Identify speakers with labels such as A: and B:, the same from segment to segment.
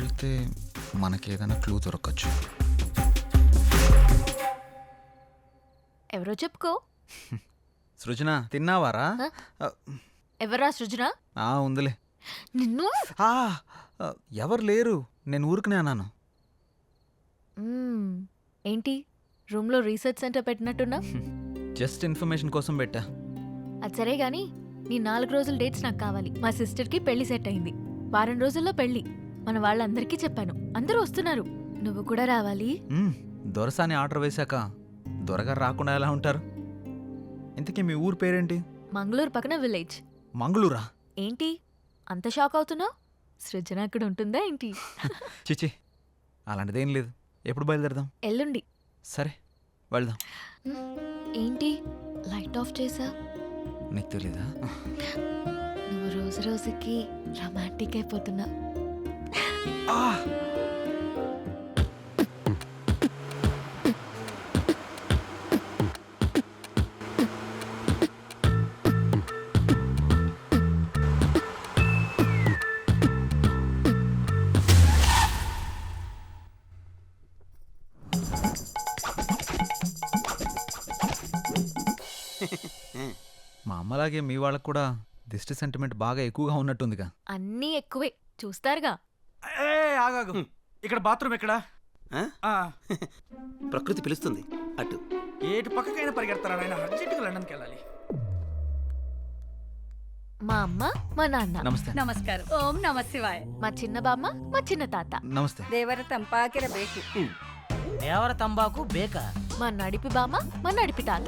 A: వెళ్తే మనకి ఏదైనా క్లూ దొరకచ్చు.
B: ఎవరో చెప్పుకో.
A: సృజన తిన్నావారా?
B: ఎవరా సృజన?
A: ఉందిలే.
B: నిన్ను
A: ఎవరు లేరు, నేను ఊరుకునే అన్నాను.
B: ఏంటి రూమ్లో రీసెర్చ్ సెంటర్ పెట్టినట్టున్నా?
A: జస్ట్ ఇన్ఫర్మేషన్ కోసం పెట్టా.
B: అది సరే గాని నీ 4 రోజుల డేట్స్ నాకు కావాలి. మా సిస్టర్కి పెళ్లి సెట్ అయింది. వారం రోజుల్లో పెళ్లి. మన వాళ్ళందరికీ చెప్పాను, అందరూ వస్తున్నారు. నువ్వు కూడా రావాలి.
A: దొరసాని ఆర్డర్ వేశాక దొరగారు రాకుండా ఎలా ఉంటారు? ఇంతకీ మీ ఊరు పేరేంటి?
B: మంగళూరు పక్కన విలేజ్.
A: మంగళూరా?
B: ఏంటి అంత షాక్ అవుతున్నావు? సృజన అక్కడ ఉంటుందా ఏంటి?
A: చిచి, అలాంటిదేం లేదు. ఎప్పుడు బయలుదేరదాం?
B: ఎల్లుండి.
A: సరే వెళ్దాం.
B: ఏంటి లైట్ ఆఫ్ చేసా?
A: నీకు తెలీదా?
B: నువ్వు రోజు రోజుకి రొమాంటిక్ అయిపోతున్నా.
A: మా అమ్మలాగే మీ వాళ్ళకు కూడా దిష్టి సెంటిమెంట్ బాగా ఎక్కువగా ఉన్నట్టుందిగా.
B: అన్నీ ఎక్కువే చూస్తారుగా.
C: ఆగాగు, ఇక్కడ బాత్రూమ్ ఎక్కడా?
D: ప్రకృతి పిలుస్తుంది అటు.
C: ఏటు పక్కకైనా పరిగెడతారా నాయన? అర్జెంటుగా లండన్కి వెళ్ళాలి.
B: మా అమ్మ మా నాన్న.
A: నమస్తే.
E: ನಮಸ್ಕಾರ. ಓಂ ನಮ ಶಿವಾಯ.
B: మా చిన్న బామ్మ మా చిన్న తాత.
A: నమస్తే.
E: ದೇವರ ತಂಪಾಕಿರಬೇಕು.
F: దేవర తంబాకు బేక.
B: మా నడిపి బామ్మ మా నడిపి తాత.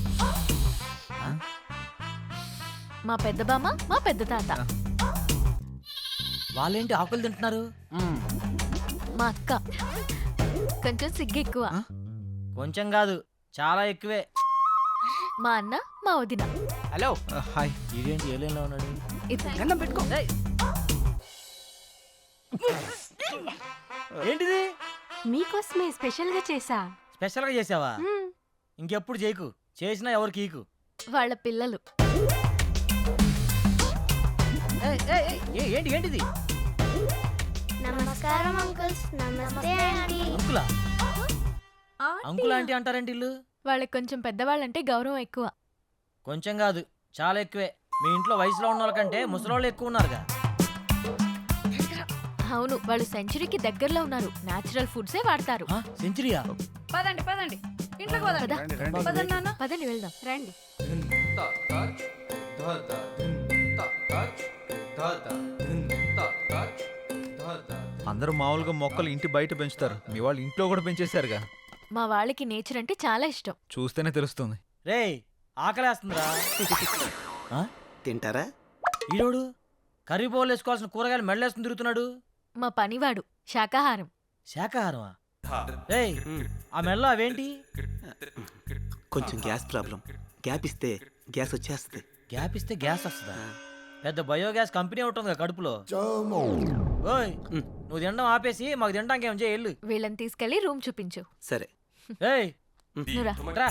B: మా పెద్ద బామ్మ మా పెద్ద తాత.
F: వాళ్ళేంటి ఆకులు తింటున్నారు?
B: మా అక్క కొంచెం సిగ్గు ఎక్కువ.
F: కొంచెం కాదు, చాలా ఎక్కువే.
B: మా అన్న మా వదిన.
F: హలో.
A: హాయ్.
F: ఇదేంటి ఏలేలో ఉన్నాడు?
C: గంధం పెట్టుకో.
F: ఏంటిది?
G: మీకోసమే స్పెషల్ గా చేసా.
F: స్పెషల్ గా చేసావా? ఇంకెప్పుడు చేయకు, చేసినా ఎవరికి ఈకు.
B: వాళ్ళ పిల్లలు.
F: ఏంటి ఏంటిది?
H: నమస్కారం అంకుల్స్. నమస్తే ఆంటీ.
F: అంకులా? అంకుల్ ఆంటీ అంటారేంటి ఇల్లు?
B: వాళ్ళకి కొంచెం పెద్దవాళ్ళంటే గౌరవం ఎక్కువ.
F: కొంచెం కాదు, చాలా ఎక్కువే. మీ ఇంట్లో వయసులో ఉన్న వాళ్ళకంటే ముసలోళ్ళు ఎక్కువ ఉన్నారుగా.
B: అవును, వాళ్ళు సెంచరీకి దగ్గరలో ఉన్నారు. నేచురల్ ఫుడ్సే వాడతారు.
F: సెంచరీయా?
E: పదండి పదండి, ఇంట్లోకి పదండి. పదండి నాన్న.
B: పదండి వెళ్దాం.
G: రండి.
A: అందరూ మామూలుగా మొక్కలు ఇంటి బయట పెంచుతారు, మీ వాళ్ళు ఇంట్లో కూడా పెంచేశారుగా.
B: మా వాళ్ళకి నేచర్ అంటే చాలా ఇష్టం.
A: చూస్తేనే తెలుస్తుంది.
F: రేయ్, ఆకలేస్తుందిరా.
D: తింటారా?
F: ఈరోడు కర్రీ బౌల్ వేసుకోవాల్సిన కూరగాయలు మెడలేసుకుని తిరుగుతున్నాడు.
B: మా పనివాడు శాకాహారం.
F: శాకాహారమా? రేయ్, ఆ మెడలో అవేంటి?
D: కొంచెం గ్యాస్ ప్రాబ్లం. గ్యాప్ ఇస్తే గ్యాస్ వచ్చేస్తుంది.
F: గ్యాప్ ఇస్తే గ్యాస్ వస్తుందా? పెద్ద బయోగ్యాస్ కంపెనీ ఉంటుంది కడుపులో. ఓయ్, నువ్వు తినడం ఆపేసి మాకు తినడానికి ఏం చేయాలి?
B: వీళ్ళని తీసుకెళ్లి రూమ్ చూపించు.
D: సరే.
F: ఏయ్,
B: నువ్వురా.
F: రా.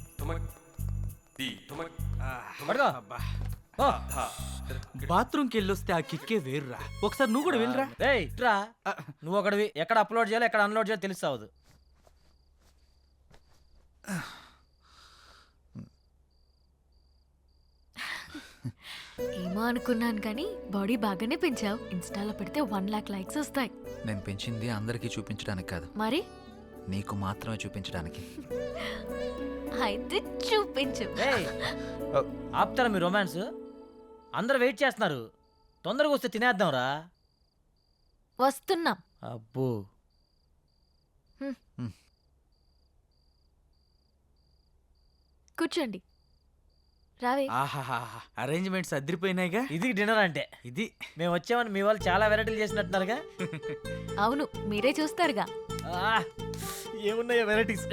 F: పడుకో. ఓ.
C: బాత్రూమ్కి వెళ్ళొస్తే ఆ కిక్కే వేరురా. ఒకసారి నువ్వు కూడా వెళ్ళరా.
F: ఏయ్, రా. నువ్వు ఒకటివి. ఎక్కడ అప్లోడ్ చేయాలో ఎక్కడ అన్లోడ్ చేయాలో తెలుస్తావదు.
B: ఏమో అనుకున్నాను కానీ బాడీ బాగానే పెంచావు. ఇన్స్టాలో పెడితే 1 lakh లైక్స్ వస్తాయి.
A: నేను పెంచింది అందరికీ చూపించడానికి కాదు,
B: మరి
A: నీకు మాత్రమే చూపించడానికి.
B: అయితే చూపించు.
F: ఏయ్, ఆపుతారా మీ రొమాన్స్? అందరు వెయిట్ చేస్తున్నారు, తొందరగా వస్తే తినేద్దాంరా.
B: వస్తున్నాం.
F: అబ్బో.
B: కూర్చోండి. రావే.
C: అరేంజ్మెంట్స్ అదిరిపోయినాయిగా.
F: ఇది డిన్నర్ అంటే.
C: ఇది
F: మేము వచ్చామని మీ వాళ్ళు చాలా వెరైటీలు చేసినట్టున్నారుగా.
B: అవును, మీరే చూస్తారుగా.
F: ఏమున్నాయో వెరైటీస్.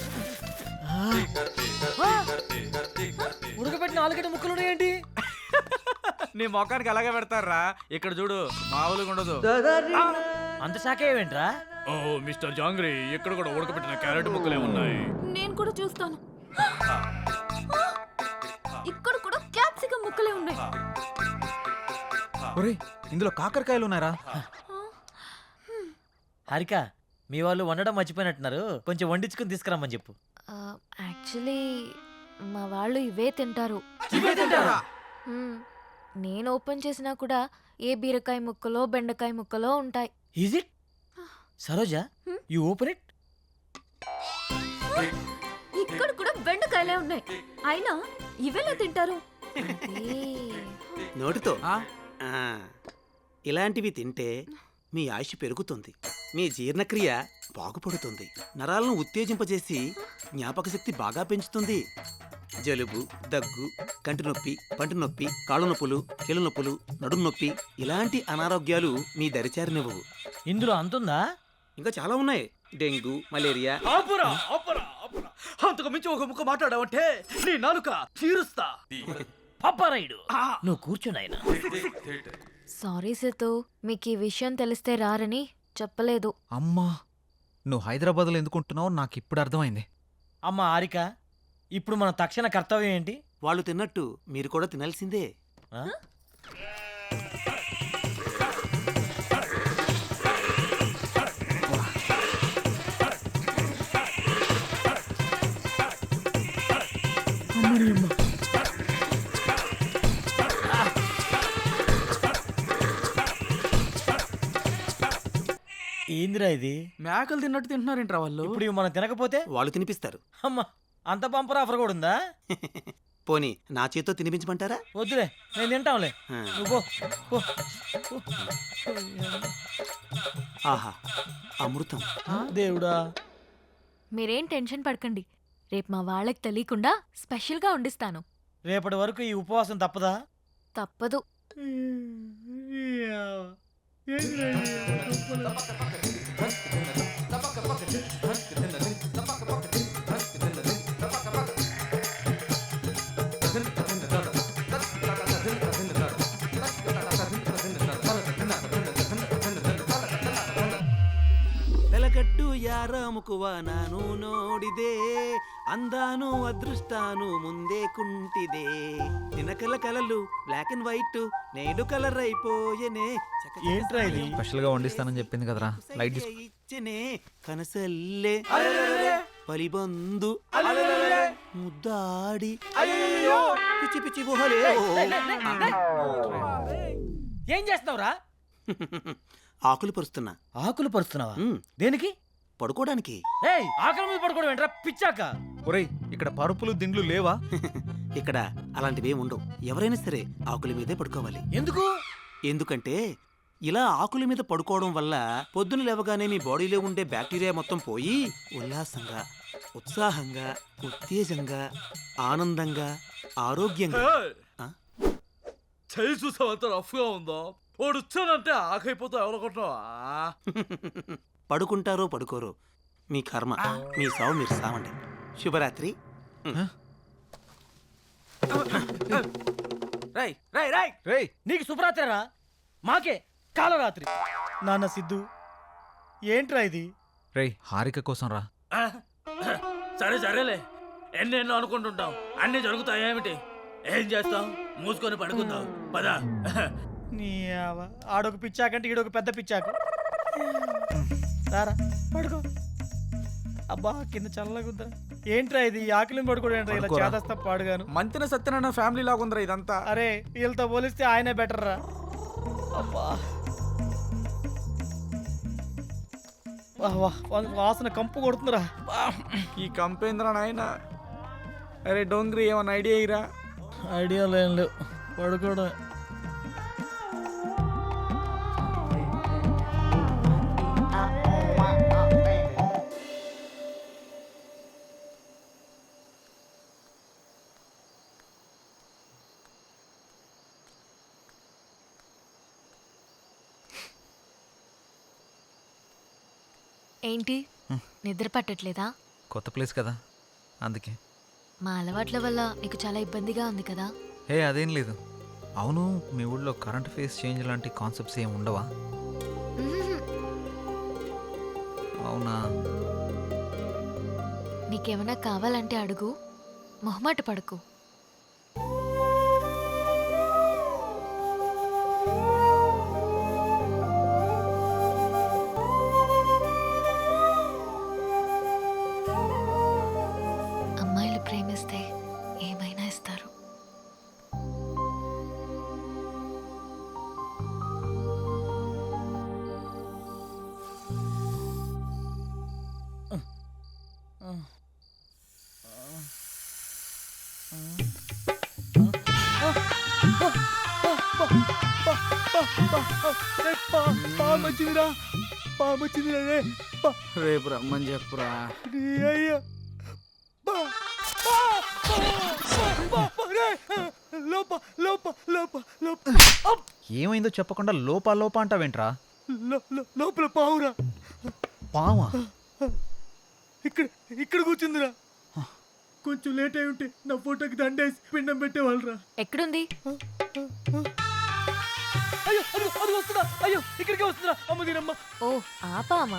F: ఉడకబెట్టిన ఆలుగడ్డ ముక్కలు ఉన్నాయేంటి?
C: నీ మొఖానికి అలాగే పెడతారా. ఇక్కడ చూడు, మామూలుగా ఉండదు.
F: అంత శాఖ ఏమేంట్రా?
I: ఓ మిస్టర్ జాంగ్రీ, ఇక్కడ కూడా ఉడకబెట్టిన క్యారెట్ ముక్కలే ఉన్నాయి.
G: నేను కూడా చూస్తాను. ఇక్కడ కూడా క్యాప్సికం ముక్కలే ఉన్నాయి.
A: ఒరేయ్, ఇందులో కాకరకాయలు ఉన్నారా?
F: హారిక మీ వాళ్ళు వండడం మర్చిపోయినట్టున్నారు, కొంచెం వండించుకుని తీసుకురమ్మని చెప్పు.
B: యాక్చువల్లీ మా వాళ్ళు ఇవే తింటారు. మ్మ్. నేను ఓపెన్ చేసినా కూడా ఏ బీరకాయ ముక్కలో బెండకాయ ముక్కలో ఉంటాయి.
F: Is it Saroja? You open it.
G: ఇక్కడ కూడా బెండకాయలే ఉన్నాయి, అయినా ఇవెలా తింటారు?
D: నోటితో
C: ఆ?
D: ఆ, ఇలాంటివి తింటే మీ ఆయుష్ పెరుగుతుంది, మీ జీర్ణక్రియ బాగుపడుతుంది, నరాలను ఉత్తేజింపజేసి జ్ఞాపక శక్తి బాగా పెంచుతుంది. జలుబు, దగ్గు, కంటి నొప్పి, పంటి నొప్పి, కాళ్ళు నొప్పులు, కీళ్ళ నొప్పులు, నడుము నొప్పి ఇలాంటి అనారోగ్యాలు మీ దరిచారినివ్వవు.
F: ఇందులో అంతుందా?
D: ఇంకా చాలా ఉన్నాయి. Dengue, malaria.
I: ఆపురా ఆపురా ఆపురా, అంతకు మించి ఒక ముక్క మాట్లాడావంటే నీ నాలుక చీరుస్తా.
F: పప్పారాయుడు నువ్వు కూర్చున్నాయన.
B: సారీ సేతు, మీకు ఈ విషయం తెలిస్తే రారని చెప్పలేదు.
A: అమ్మా, నువ్వు హైదరాబాద్లో ఎందుకుంటున్నావు నాకు ఇప్పుడు అర్థమైంది.
F: అమ్మ హారిక, ఇప్పుడు మన తక్షణ కర్తవ్యం ఏంటి?
D: వాళ్ళు తిన్నట్టు మీరు కూడా తినాల్సిందే.
F: ఆ? ఏందిరా ఇది?
C: మేకలు తిన్నట్టు తింటున్నారేంట్రా వాళ్ళు?
F: ఇప్పుడు ఇవి మనం తినకపోతే
D: వాళ్ళు తినిపిస్తారు.
F: అమ్మ, అంత బంపర్ ఆఫర్ కూడా ఉందా?
D: పోనీ నా చేతితో తినిపించమంటారా?
F: వద్దులే, నేను తింటాంలే.
D: ఆ.
F: నువ్వు పో, పో.
D: ఆహా, అమృతం.
F: దేవుడా.
B: మీరేం టెన్షన్ పడకండి, రేపు మా వాళ్ళకి తెలియకుండా స్పెషల్గా వండిస్తాను.
F: రేపటి వరకు ఈ ఉపవాసం తప్పదా?
B: తప్పదు.
D: ಬೆಲಗಡ್ಡು ಯಾರ ಮುಕುವ ನಾನು ನೋಡಿದೆ ಅಂದಾನು ಅದೃಷ್ಟಾನು ಮುಂದೆ ಕುಂಟಿದೆ ನಿನ್ನ ಕಲలు బ్లాక్ అండ్ వైట్ నేడు కలర్ అయిపోయెనే
F: ఏంట్రా ఇది?
A: స్పెషల్గా వండిస్తానని చెప్పింది కదరా, లైట్ తీసుకో.
D: ఇచ్చనే కనసల్లే పలిబందు ముద్దాడి పిచ్చి పిచ్చి గుహలే
F: ఏం చేస్తున్నావురా?
D: ఆకులు పరుస్తున్నా.
F: ఆకులు పరుస్తున్నావా?
D: ఉమ్,
F: దేనికి?
D: పడుకోవడానికి.
F: ఏయ్, ఆకలి మీద పడుకోవడం ఏంట్రా పిచ్చాక?
A: ఒరేయ్, ఇక్కడ పరుపులు దిండ్లు లేవా?
D: ఇక్కడ అలాంటివి ఉండవు. ఎవరైనా సరే ఆకుల మీదే పడుకోవాలి.
F: ఎందుకు?
D: ఎందుకంటే ఇలా ఆకుల మీద పడుకోవడం వల్ల పొద్దున లేవగానే మీ బాడీలో ఉండే బ్యాక్టీరియా మొత్తం పోయి ఉల్లాసంగా, ఉత్సాహంగా, ఉత్తేజంగా, ఆనందంగా, ఆరోగ్యంగా. ఆ?
I: చేయి చూసావు అంత రఫ్గా ఉందో, వాడు వచ్చానంటే ఆకైపోతావు ఎవరనుకుంటున్నావా?
D: పడుకుంటారో పడుకోరో మీ కర్మ, మీ సావు మీరు సావండి. శుభరాత్రి.
C: రై రై రై
A: రేయ్,
F: నీకు శుభరాత్రిరా, మాకే కాలరాత్రి. నాన్న సిద్ధు, ఏంట్రా ఇది?
A: రేయ్, హారిక కోసం రా.
I: సరే సరేలే, ఎన్నెన్నో అనుకుంటుంటాం, అన్నీ జరుగుతాయేమిటి? ఏం చేస్తాం? మూసుకొని పడుకుందాం పద.
F: నీ ఆడొక పిచ్చాకంటే ఈడొక పెద్ద పిచ్చాకు. సారా పడుకో. అబ్బా, కింద చల్లగుందా. ఏంట్రా ఇది? ఆకలి పడుకోవడం ఏంట్రా ఇలా
A: పడుకోరా.
F: చేదస్తా పాడుగాను.
C: మంతిన సత్యనారాయణ ఫ్యామిలీ లాగా ఉందిరా ఇదంతా.
F: అరే, వీళ్ళతో పోలిస్తే ఆయనే బెటర్ రా. అబ్బా, వాహ్ వాహ్, వాసన కంపు కొడుతుందిరా.
C: ఈ కంపేంద్ర నాయన. అరే డోంగ్రీ, ఏమన్నా ఐడియా ఇరా?
F: ఐడియా లేం లేవు, పడుకోవడం.
B: ఏంటి, నిద్ర పట్టట్లేదా?
A: కొత్త ప్లేస్ కదా, అందుకే.
B: మా అలవాట్ల వల్ల నీకు చాలా ఇబ్బందిగా ఉంది కదా?
A: హే, అదేం లేదు. అవును, మీ ఊళ్ళో కరెంట్ ఫేస్ చేంజ్ లాంటి కాన్సెప్ట్స్ ఏమి ఉండవా?
B: మ్మ్.
A: అవునా?
B: నీకేమైనా కావాలంటే అడుగు, మొహమాట పడకు.
F: పామొచ్చిందిరా పామొచ్చిందిరా రే
C: రేపు రమ్మని చెప్పురా.
F: అయ్యా లోప లోప లోప లోప
A: ఏమైందో చెప్పకుండా లోపా లోపా అంటావేంట్రా?
F: లోపల పావురా
A: పావా?
F: ఇక్కడ ఇక్కడ కూర్చుందిరా. కొంచెం లేట్ అయి ఉంటే నా ఫోటోకి దండేసి పిండం పెట్టేవాళ్ళరా.
B: ఎక్కడుంది?
F: అయ్యో అది అది వస్తుందా? అయ్యో ఇక్కడికే వస్తుందా? అమ్మ దీనమ్మ.
B: ఓ ఆపామా?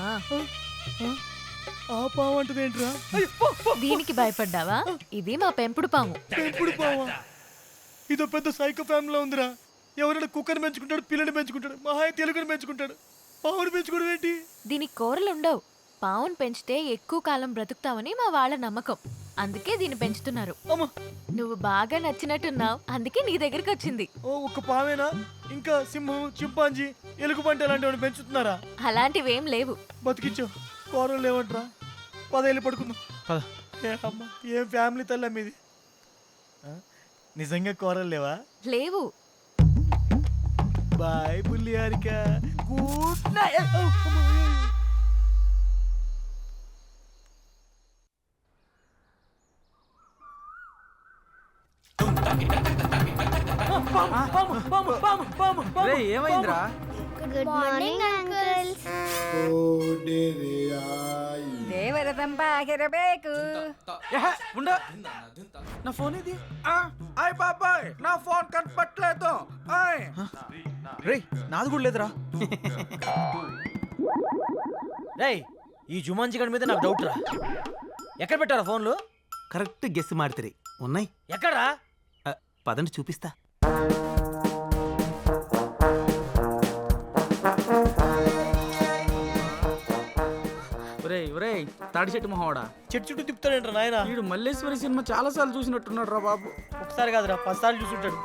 F: ఆ పాము అంటది ఏంట్రా? అయ్యో పో, పో.
B: దీనికి భయపడ్డావా? ఇది మా పెంపుడు పాము.
F: పెంపుడు పావా? ఇదో పెద్ద సైకో ఫ్యామిలీలో ఉందిరా. ఎవరైనా కుక్కని పెంచుకుంటాడు, పిల్లని పెంచుకుంటాడు, మహా తెలుగుని పెంచుకుంటాడు. పావుని పెంచుకోవడం ఏంటి?
B: దీనికి కూరలు ఉండవు. పావును పెంచితే ఎక్కువ కాలం బ్రతుకుతావని మా వాళ్ళ నమ్మకం. అందుకే దీన్ని పెంచుతున్నారు.
F: అమ్మ
B: నువ్వు బాగా నచ్చినట్టున్నావు, అందుకే నీ దగ్గరికి వచ్చింది.
F: ఓ ఒక్క పావేనా? ఇంకా సింహం, చింపాంజీ, ఎలుగుబంటి అలాంటివి పెంచుతున్నారా?
B: అలాంటివేం లేవు.
F: బతికించో కూరలు లేవంట్రా. 10 ఏళ్ళు పడుకుందాం.
A: పద.
F: ఏ అమ్మ ఏం ఫ్యామిలీ తల్లి మీది. నిజంగా కూరలు లేవా?
B: లేవు.
F: బాయ్ బుల్లి హారిక. Good night.
C: రే ఏమైందిరా?
H: Good morning uncles.
E: ದೇವರದಂಬಾಗಿರಬೇಕು.
C: ఏహే, ఉండు. నా ఫోన్ ఇది. అయ్ బాబాయ్ నా ఫోన్ కనపట్లేదు. ఆయ్
A: రేయ్ నాది కూడా లేదురా.
F: రేయ్ ఈ జుమాన్జీ గడి మీద నాకు డౌట్ రా. ఎక్కడ పెట్టారా ఫోన్లు?
D: కరెక్ట్ గెస్ మాడితే ఉన్నాయి.
F: ఎక్కడా?
D: పదండి చూపిస్తా.
C: ఒరేయ్ ఒరేయ్ తాడి చెట్టు మొహవాడా,
F: చెట్టు చుట్టూ తిప్పుతాడేంట్రా నాయన?
C: వీడు మల్లేశ్వరి సినిమా చాలా సార్లు చూసినట్టున్నాడు రా బాబు.
F: ఒకసారి కాదురా 10 సార్లు చూసుంటాడు.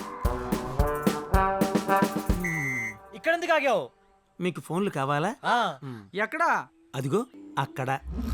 F: ఇక్కడ ఎందుకు ఆగావు?
D: మీకు ఫోన్లు కావాలా?
F: ఆ,
C: ఎక్కడా?
D: అదిగో అక్కడ.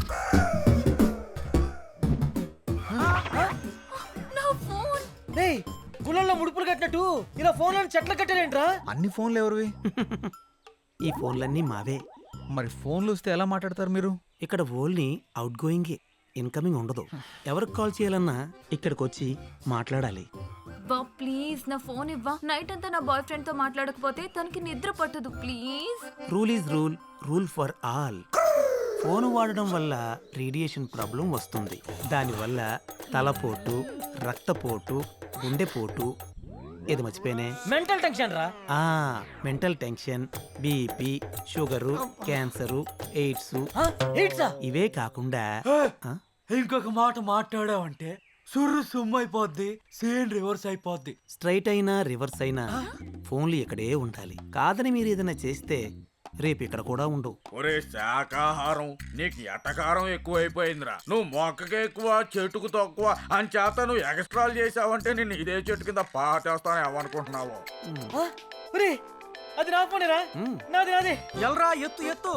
F: రేయ్ గుళ్ళల్లో ముడుపులు కట్టినట్టు ఇలా ఫోన్లను చెట్లు కట్టారేంట్రా?
A: అన్ని ఫోన్లు ఎవరివి?
D: ఈ ఫోన్లన్నీ మావే.
A: మరి ఫోన్లు వస్తే ఎలా మాట్లాడతారు మీరు?
D: ఇక్కడ ఓన్లీ అవుట్ గోయింగే, ఇన్కమింగ్ ఉండదు. ఎవరికి కాల్ చేయాలన్నా ఇక్కడికి వచ్చి మాట్లాడాలి.
G: బా ప్లీజ్ నా ఫోన్ ఇవ్వా. నైట్ అంతా నా బాయ్ ఫ్రెండ్ తో మాట్లాడకపోతే తనకి నిద్ర పట్టదు please.
D: Rule is rule, rule for all. Phone వాడడం వల్ల రేడియేషన్ ప్రాబ్లం వస్తుంది. దానివల్ల తలపోటు, రక్తపోటు, గుండెపోటు, ఏది మర్చిపోయినే,
F: మెంటల్ టెన్షన్ రా.
D: Mental tension, BP, sugar, cancer, AIDS,
F: ఏంట్రా?
D: ఇవే కాకుండా
I: ఇంకొక మాట మాట్లాడావంటే సుర్రు సుమ్ము అయిపోద్ది, సేన్ రివర్స్ అయిపోద్ది.
D: స్ట్రైట్ అయినా రివర్స్ అయినా ఫోన్లు ఇక్కడే ఉండాలి. కాదని మీరు ఏదైనా చేస్తే రేపు ఇక్కడ కూడా ఉండవు.
J: ఒరే శాకాహారం నీకు ఎటకారం ఎక్కువైపోయిందిరా. నువ్వు మొక్కకి ఎక్కువ చెట్టుకు తక్కువ అని చేత నువ్వు ఎక్స్ట్రాలు చేసావంటే నేను ఇదే చెట్టు కింద పాటేస్తాను ఏమనుకుంటున్నావు?
F: ఒరే అది నా ఫోనేరా. నాది నాది.
C: ఎల్రా ఎత్తు ఎత్తు.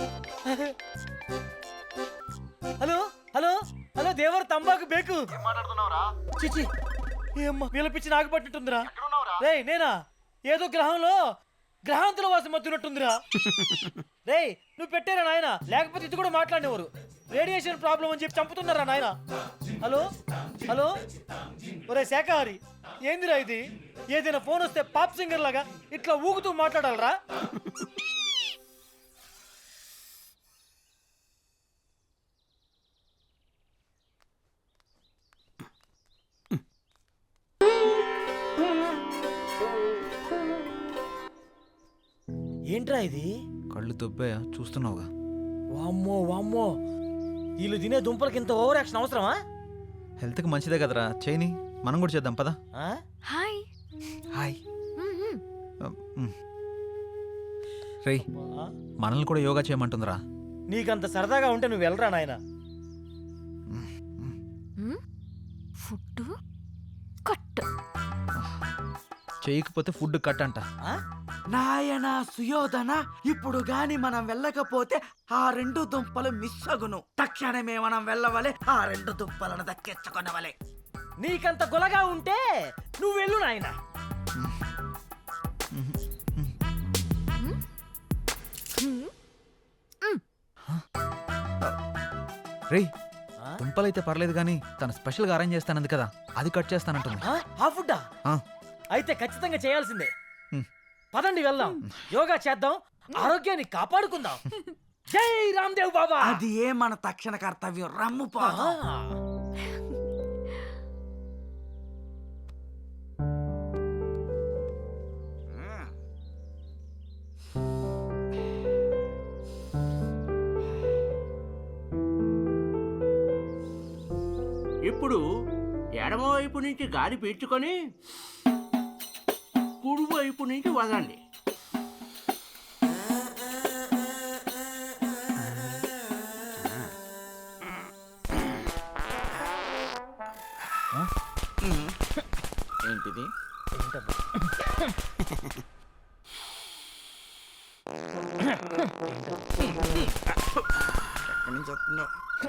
F: హలో హలో హలో దేవర్ తంబాకు బేకు. చిచి ఏమ్మా పిలిపించి నాకు పట్టినట్టుందిరా. రేయ్ నేనా? ఏదో గ్రహాంతుల వాసం మత్తున్నట్టుందిరా. రేయ్ నువ్వు పెట్టారా నాయన? లేకపోతే ఇది కూడా మాట్లాడేవారు. రేడియేషన్ ప్రాబ్లం అని చెప్పి చంపుతున్నారా నాయన? హలో హలో ఒరే శాఖాహారి ఏందిరా ఇది? ఏదైనా ఫోన్ వస్తే పాప్ సింగర్ లాగా ఇట్లా ఊగుతూ మాట్లాడాలరా? ఏంట్రా ఇది?
A: కళ్ళు దొబ్బాయా? చూస్తున్నావుగా.
F: వామ్మో వామ్మో వీళ్ళు తినే దుంపలకి ఇంత ఓవర్ యాక్షన్ అవసరమా?
A: హెల్త్కి మంచిదే కదరా, చేయని. మనం కూడా చేద్దాం పదా.
F: ఆ?
B: హాయ్.
A: హాయ్.
B: మ్మ్.
A: రేయ్
F: ఆ?
A: మనల్ని కూడా యోగా చేయమంటుందిరా.
F: నీకంత సరదాగా ఉంటే నువ్వు వెళ్ళరా నాయన.
B: Food cut.
A: చేయకపోతే ఫుడ్ కట్ అంట.
C: నాయనా సుయోధన, ఇప్పుడు గాని మనం వెళ్ళకపోతే ఆ 2 దుంపలు మిస్ అగును. తక్షణమే మనం వెళ్ళవలే, ఆ 2 దుంపలను దక్కించుకొనవలే.
F: నీకంత గులగా ఉంటే నువ్వు వెళ్ళు నాయన.
A: రేయ్ దుంపలైతే పర్లేదు కానీ తను స్పెషల్గా అరేంజ్ చేస్తానంది కదా అది కట్ చేస్తానంటుంది.
F: ఆ ఫుడ్డా?
A: ఆ.
F: అయితే ఖచ్చితంగా చేయాల్సిందే.
A: హ్మ్.
F: పదండి వెళ్దాం, యోగా చేద్దాం, ఆరోగ్యాన్ని కాపాడుకుందాం. జై రామ్దేవ్ బాబా.
C: అది ఏ మన తక్షణ కర్తవ్యం. రమ్ము పోదాం.
K: ఇప్పుడు ఎడమవైపు నుంచి గాలి పీల్చుకొని కుడివైపు నుంచి వదండి.
J: ఏంటిది? ఎక్కడి నుంచి వస్తుందో?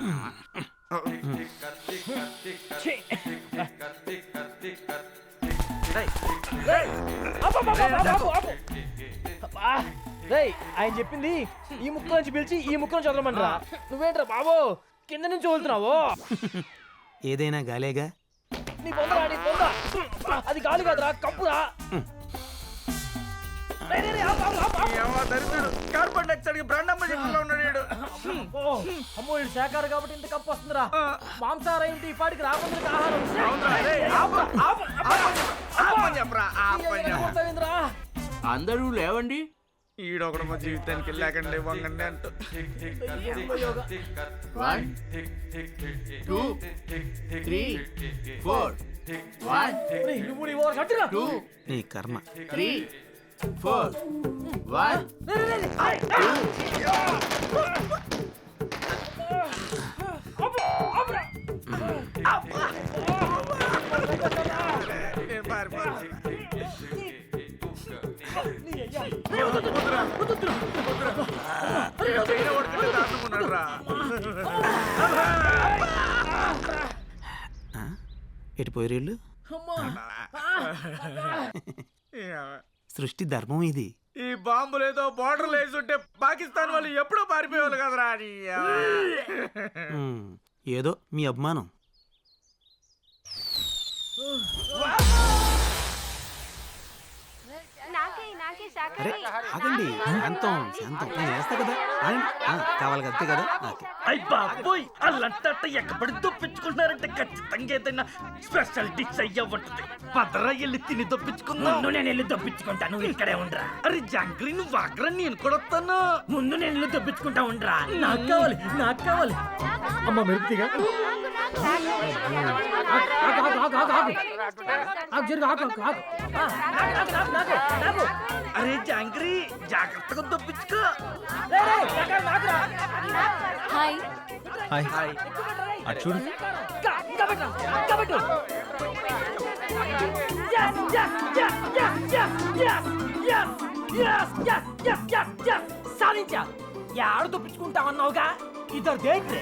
F: రేయ్, ఆయన చెప్పింది ఈ ముక్క నుంచి పిలిచి ఈ ముక్క నుంచి వదలమంటారా? నువ్వేంట్రా బాబు కింద నుంచి వదులుతున్నావు?
D: ఏదైనా గాలేగా.
F: నీ పొందరా, నీ పొంద. అది గాలి కాదురా, కంపురా.
J: కార్బన్ డైఆక్సైడ్ బ్రాండమ్మ చెప్పులో ఉన్నాడు.
F: అమ్మో ఇది శాఖారు కాబట్టి ఇంత కప్పు వస్తుందిరా. మాంసాహారం ఏంటి ఈ పాటికి రాకుండా ఆహారం.
K: అందరూ లేవండి.
J: ఈడొకడు మా జీవితానికి లేకండి వంగండి అంటూ.
K: 1 2 3 4 1 2
D: నీ కర్మ.
K: 3 4 1
D: ఎటుపోయి రేళ్ళు. సృష్టి ధర్మం ఇది.
J: ఈ బాంబులు ఏదో బార్డర్ వేసుంటే పాకిస్తాన్ వాళ్ళు ఎప్పుడో పారిపోయేవాళ్ళు కదరా.
D: ఏదో మీ అభిమానం. అరే ఆగండి, శాంతం శాంతం. నేను వేస్తా కదా, కావాలి అంతే కదా.
C: అయ్ బాబోయ్, అల్లంతా ఎక్కబడి దొప్పించుకుంటున్నారంటే ఖచ్చితంగా ఏదైనా స్పెషల్ డిష్ అయ్యా ఉంటుంది. పదరా వెళ్ళి తిని దొప్పించుకుందాం. ముందు నేను వెళ్ళి దొప్పించుకుంటా, నువ్వు ఇక్కడే ఉండరా. అరే జాంగ్రీ నువ్వు వాగ్రా, నేను కూడా వస్తాను. ముందు నేను వెళ్ళి దొప్పించుకుంటా ఉండరా.
F: నాకు కావాలి, నాకు కావాలి. అమ్మ మెరుపుగా
C: అరే జాంగ్రీ జాగ్రత్తగా దొప్పించుకో.
B: హాయ్.
A: హాయ్ అటు చూడు.
F: సాధించా. యాడ దొప్పించుకుంటామన్నావుగా, ఇద్దరు దేంటే.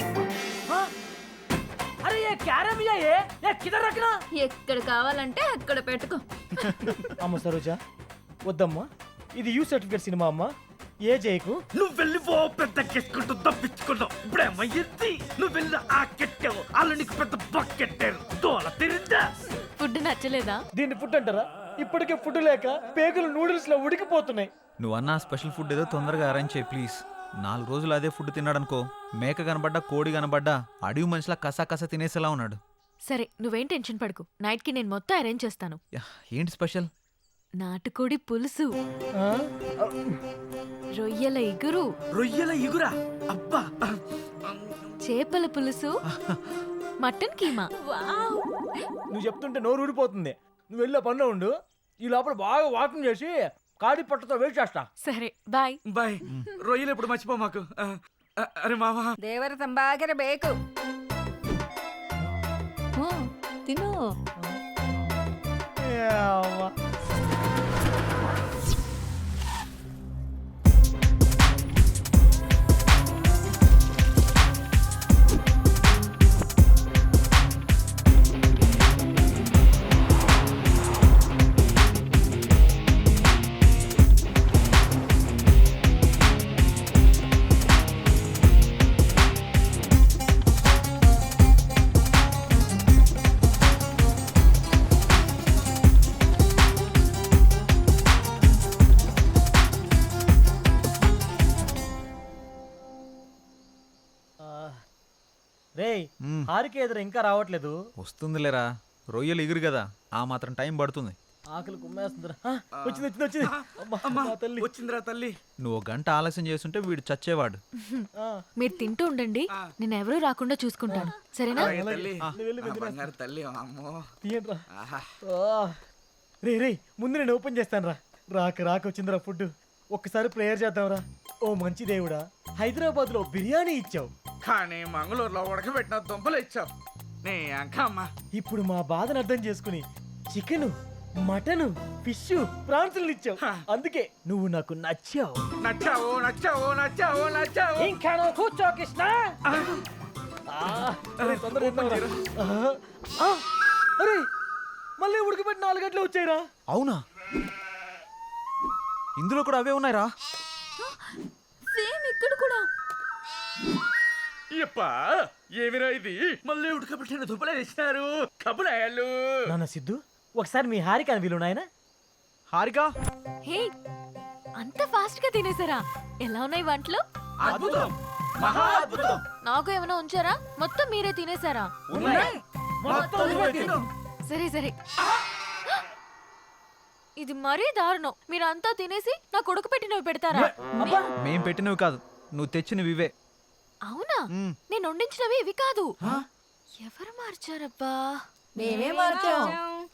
F: అరే ఏ క్యారమియా ఏ కిదర్ రఖనా.
G: ఎక్కడ కావాలంటే అక్కడ పెట్టుకో.
F: అమ్మ సరోజా వద్దమ్మా, ఇది యూ సర్టిఫికేట్ సినిమా అమ్మా. ఏ జైకు
C: నువ్వు వెళ్ళి ఓ పెద్ద కెట్టుకుంటూ తప్పించుకున్నావు. ఇప్పుడేమయ్యింది, నువ్వు వెళ్ళి ఆ కెట్టావు, వాళ్ళు నీకు పెద్ద బకెట్టారు. దోల తిరిందా?
B: ఫుడ్ నచ్చలేదా?
F: దీన్ని ఫుడ్ అంటారా? ఇప్పటికే ఫుడ్ లేక పేగులు నూడిల్స్ లో ఉడికిపోతున్నాయి.
A: నువ్వన్నా స్పెషల్ ఫుడ్ ఏదో తొందరగా అరేంజ్ చేయి ప్లీజ్. 4 రోజులు అదే ఫుడ్ తిన్నాడనుకో, మేక కనబడ్డా కోడి కనబడ్డా అడవి మనిషిలా కసా తినేసేలా ఉన్నాడు.
B: సరే నువ్వేం టెన్షన్ పడకు, నైట్ కి నేను మొత్తం అరేంజ్ చేస్తాను.
A: ఏంటి స్పెషల్?
B: నాటుకోడి పులుసు, రొయ్యల ఇగురు,
C: రొయ్యల ఇగురా, అబ్బా,
B: చేపల పులుసు, మటన్ కీమా.
F: నువ్వు చెప్తుంటే నోరు ఊడిపోతుంది. నువ్వు వెళ్ళే పనిలో ఉండు, ఈ లోపల బాగా వాకింగ్ చేసి కాడి పట్టతో వెయిట్ చేస్తా.
B: సరే బాయ్.
C: బాయ్. రొయ్యలు ఎప్పుడు మర్చిపో మాకు. అరే మావా,
E: ದೇವರ ತಂಬಾಗಿರ ಬೇಕು. ತಿನ್ನು.
F: రేయ్
A: మ్మ్.
F: హారిక ఎదురు ఇంకా రావట్లేదు.
A: వస్తుందిలేరా, రొయ్యలు ఎగురు కదా, ఆ మాత్రం టైం పడుతుంది.
F: ఆకలి కుమ్మేస్తుందిరా. వచ్చింది. అమ్మా,
D: అమ్మా
F: నా తల్లి.
D: వచ్చిందిరా తల్లి.
A: నువ్వు ఒక గంట ఆలస్యం చేస్తుంటే వీడు చచ్చేవాడు.
F: ఆ,
B: మీరు తింటూ ఉండండి, నేను ఎవరూ రాకుండా చూసుకుంటాను, సరేనా?
D: అలాగే తల్లి.
F: నువ్వు వెళ్ళి
D: ఆ బంగారు తల్లి అమ్మో.
F: తీయండిరా.
D: ఆహా.
F: రే ముందు నేను ఓపెన్ చేస్తాను రా. రాక వచ్చిందిరా ఫుడ్. ఒక్కసారి ప్రేయర్ చేద్దాంరా. ఓ మంచి దేవుడా, హైదరాబాద్ లో బిర్యానీ ఇచ్చావు,
J: కానీ మంగళూరులో ఉడకబెట్టిన దుంపలు ఇచ్చావు. నీ అంకమ్మ.
F: ఇప్పుడు మా బాధను అర్థం చేసుకుని చికెన్, మటన్, ఫిష్, ప్రాన్స్ ఇచ్చావు. అందుకే నువ్వు నాకు నచ్చావు.
J: నచ్చావు.
F: ఇంకా నువ్వు కూర్చో కృష్ణ. తొందరగా తిందాంరా. అరే మళ్ళీ ఉడకబెట్టి 4 గంటలు వచ్చాయిరా.
A: అవునా? ఇందులో కూడా అవే ఉన్నాయిరా.
G: సేమ్ ఇక్కడ కూడా.
J: ఇప్పా ఏమిరా ఇది?
C: మళ్ళీ ఉడకబెట్టిన దుబ్బలే తెచ్చినారు కబులాయాలు.
F: నాన్న సిద్ధు, ఒకసారి మీ హారిక అని వీలు నాయన.
A: హారిక,
B: హే, అంత ఫాస్ట్ గా తినేసారా? ఎలా ఉన్నాయి వంటలు?
C: అద్భుతం, మహా అద్భుతం.
B: నాకు ఏమైనా ఉంచారా? మొత్తం మీరే తినేసారా?
C: ఉన్నాయి. మొత్తం నువ్వే తిను.
B: సరే ఇది మరీ దారుణం. మీరంతా తినేసి నాకు ఉడకపెట్టినవి పెడతారా?
A: మేం పెట్టినవి కాదు, నువ్వు తెచ్చినవి ఇవే.
B: అవునా?
A: మ్మ్.
B: నేను వండించినవి ఇవి కాదు. ఎవరు మార్చారబ్బా?
E: మేమే మార్చాం.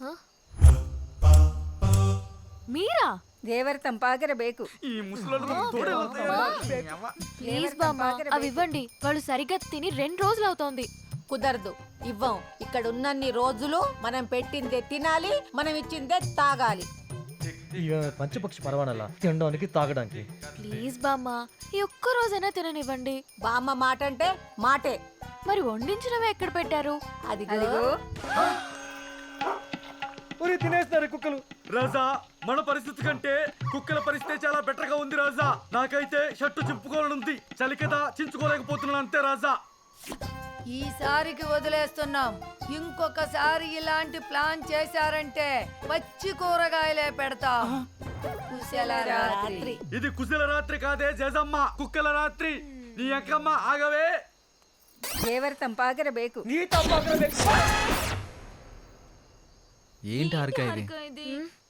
B: మీరా?
E: ದೇವರ ತಂಪಾಗಿರಬೇಕು.
J: ఈ ముసలోళ్ళు మనకు తోడే వస్తాయా?
B: ప్లీజ్ బామ్మ, అవి ఇవ్వండి. వాళ్ళు సరిగ్గా తిని 2 రోజులు అవుతోంది.
E: కుదరదు, ఇవ్వం. ఇక్కడ ఉన్నన్ని రోజులు మనం పెట్టిందే తినాలి, మనం ఇచ్చిందే తాగాలి.
F: ఇక పంచపక్షి పరవానలా తినడానికి తాగడానికి.
B: ప్లీజ్ బామ్మ, ఈ ఒక్క రోజైనా తిననివ్వండి.
E: బామ్మ మాట అంటే మాటే.
B: మరి వండించినవి ఎక్కడ పెట్టారు?
E: అదిగో
F: ఒరే తినేస్తారు కుక్కలు.
I: రాజా, మన పరిస్థితి కంటే కుక్కల పరిస్థితి చాలా బెటర్ గా ఉంది రాజా. నాకైతే షర్టు చింపుకోవాలనుంది, చలి కదా చించుకోలేకపోతున్నాను అంతే రాజా.
E: ఈసారికి వదిలేస్తున్నాం. ఇంకొకసారి ఇలాంటి ప్లాన్ చేశారంటే పచ్చి కూరగాయలే పెడతాం. కుశల రాత్రి.
I: ఇది కుశల రాత్రి కాదే జేజమ్మ, కుక్కల రాత్రి. నీ అక్కమ్మ ఆగవే.
E: ದೇವರ ತಂಪಾಗಿರಬೇಕು.
F: నీ తప్ప
A: ఏంటి హారిక ఇది?
G: ఇది